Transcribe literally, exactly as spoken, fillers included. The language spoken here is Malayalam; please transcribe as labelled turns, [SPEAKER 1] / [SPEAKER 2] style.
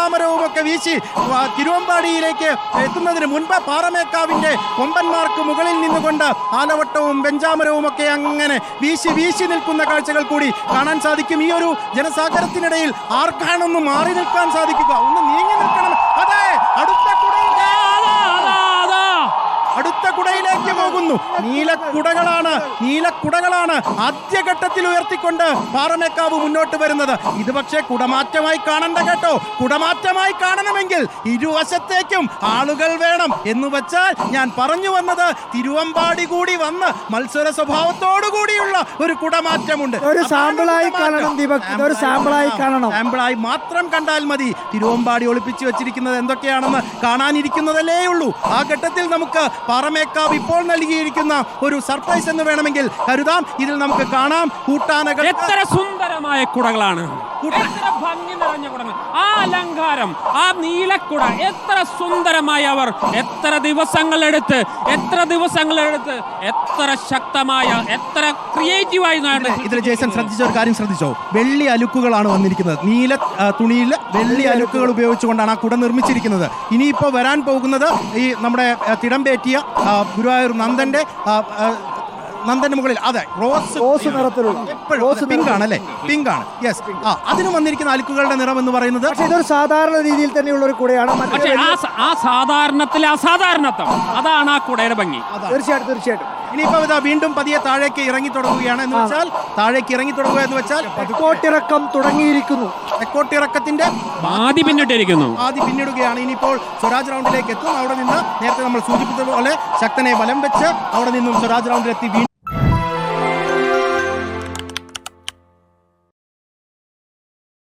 [SPEAKER 1] വെഞ്ചാമരവും ഒക്കെ വീശി തിരുവമ്പാടിയിലേക്ക് എത്തുന്നതിന് മുൻപ് പാറമേക്കാവിന്റെ കൊമ്പന്മാർക്ക് മുകളിൽ നിന്നുകൊണ്ട് ആലവട്ടവും വെഞ്ചാമരവും ഒക്കെ അങ്ങനെ വീശി വീശി നിൽക്കുന്ന കാഴ്ചകൾ കൂടി കാണാൻ സാധിക്കും. ഈ ഒരു ജനസാഗരത്തിനിടയിൽ ആർക്കാണൊന്ന് മാറി നിൽക്കാൻ സാധിക്കുക? ഒന്ന് നീങ്ങി നിൽക്കണം. അതെ, അടുത്ത അടുത്ത കുടയിലേക്ക് പോകുന്നു. നീലക്കുടകളാണ് നീലക്കുടകളാണ് ആദ്യഘട്ടത്തിൽ ഉയർത്തിക്കൊണ്ട് പാറമേക്കാവ് മുന്നോട്ട് വരുന്നത്. ഇത് പക്ഷേ കുടമാറ്റമായി കാണണ്ട കേട്ടോ. കുടമാറ്റമായി കാണണമെങ്കിൽ ഇരുവശത്തേക്കും ആളുകൾ വേണം എന്ന് വെച്ചാൽ ഞാൻ പറഞ്ഞു വന്നത് തിരുവമ്പാടി കൂടി വന്ന് മത്സര സ്വഭാവത്തോടു കൂടിയുള്ള ഒരു കുടമാറ്റമുണ്ട്.
[SPEAKER 2] ഒരു സാമ്പിളായി കാണണം ദീപക്, ഇതൊരു സാമ്പിളായി കാണണം.
[SPEAKER 1] സാമ്പിളായി മാത്രം കണ്ടാൽ മതി. തിരുവമ്പാടി ഒളിപ്പിച്ചു വെച്ചിരിക്കുന്നത് എന്തൊക്കെയാണെന്ന് കാണാനിരിക്കുന്നതല്ലേ ഉള്ളൂ. ആ ഘട്ടത്തിൽ നമുക്ക് പാറമേക്കാവ് ഇപ്പോൾ നൽകിയിരിക്കുന്ന ഒരു സർപ്രൈസ് എന്ന് വേണമെങ്കിൽ കരുതാം. ഇതിൽ നമുക്ക് കാണാം കൂട്ടാനകൾ.
[SPEAKER 3] എത്ര സുന്ദരമായ കുടകളാണ്, എത്ര ഭംഗി നിറഞ്ഞ കുടകൾ, ആ അലങ്കാരം, ആ നീലക്കുട എത്ര സുന്ദരമായി അവർ എത്ര ദിവസങ്ങളെടുത്ത് എത്ര ദിവസങ്ങളെടുത്ത് എത്ര ശക്തമായ എത്ര ക്രിയേറ്റീവായി.
[SPEAKER 1] ഇതിൽ ജേസൺ ശ്രദ്ധിച്ച ഒരു കാര്യം ശ്രദ്ധിച്ചോ? വെള്ളി അലുക്കുകളാണ് വന്നിരിക്കുന്നത്. നീല തുണിയിൽ വെള്ളി അലുക്കുകൾ ഉപയോഗിച്ചുകൊണ്ടാണ് ആ കുട നിർമ്മിച്ചിരിക്കുന്നത്. ഇനിയിപ്പോൾ വരാൻ പോകുന്നത് ഈ നമ്മുടെ തിടമ്പേറ്റിയ ഗുരുവായൂർ നന്ദന്റെ നന്ദന്റെ മുകളിൽ അതെ റോസ്
[SPEAKER 2] റോസ് നിറത്തിലുള്ള
[SPEAKER 1] പിങ്ക് ആണ് അല്ലേ? പിങ്ക് ആണ്. യെസ്. ആ അതിന് വന്നിരിക്കുന്ന അലുക്കുകളുടെ നിറം എന്ന് പറയുന്നത്
[SPEAKER 2] ഇതൊരു സാധാരണ രീതിയിൽ തന്നെയുള്ള ഒരു കുടയാണ്.
[SPEAKER 3] പക്ഷേ ആ സാധാരണത്തിലെ അസാധാരണത്വം അതാണ് ആ കുടയുടെ ഭംഗി.
[SPEAKER 2] തീർച്ചയായിട്ടും തീർച്ചയായിട്ടും
[SPEAKER 1] ഇനിയിപ്പോൾ ഇതാ വീണ്ടും പതിയെ താഴേക്ക് ഇറങ്ങി തുടങ്ങുകയാണ്. എന്ന് വെച്ചാൽ താഴേക്ക് ഇറങ്ങി തുടങ്ങുക എന്ന് വെച്ചാൽ
[SPEAKER 2] തെക്കോട്ടിറക്കം തുടങ്ങിയിരിക്കുന്നു.
[SPEAKER 1] തെക്കോട്ടിറക്കത്തിന്റെ
[SPEAKER 3] ആദ്യ പിന്നിട്ടിരിക്കുന്നു
[SPEAKER 1] ആദ്യം പിന്നിടുകയാണ്. ഇനിയിപ്പോൾ സ്വരാജ് റൗണ്ടിലേക്ക് എത്തും. അവിടെ നിന്ന് നേരത്തെ നമ്മൾ സൂചിപ്പിച്ചതുപോലെ ശക്തനെ വലം വെച്ച് അവിടെ നിന്നും സ്വരാജ് റൗണ്ടിലെത്തി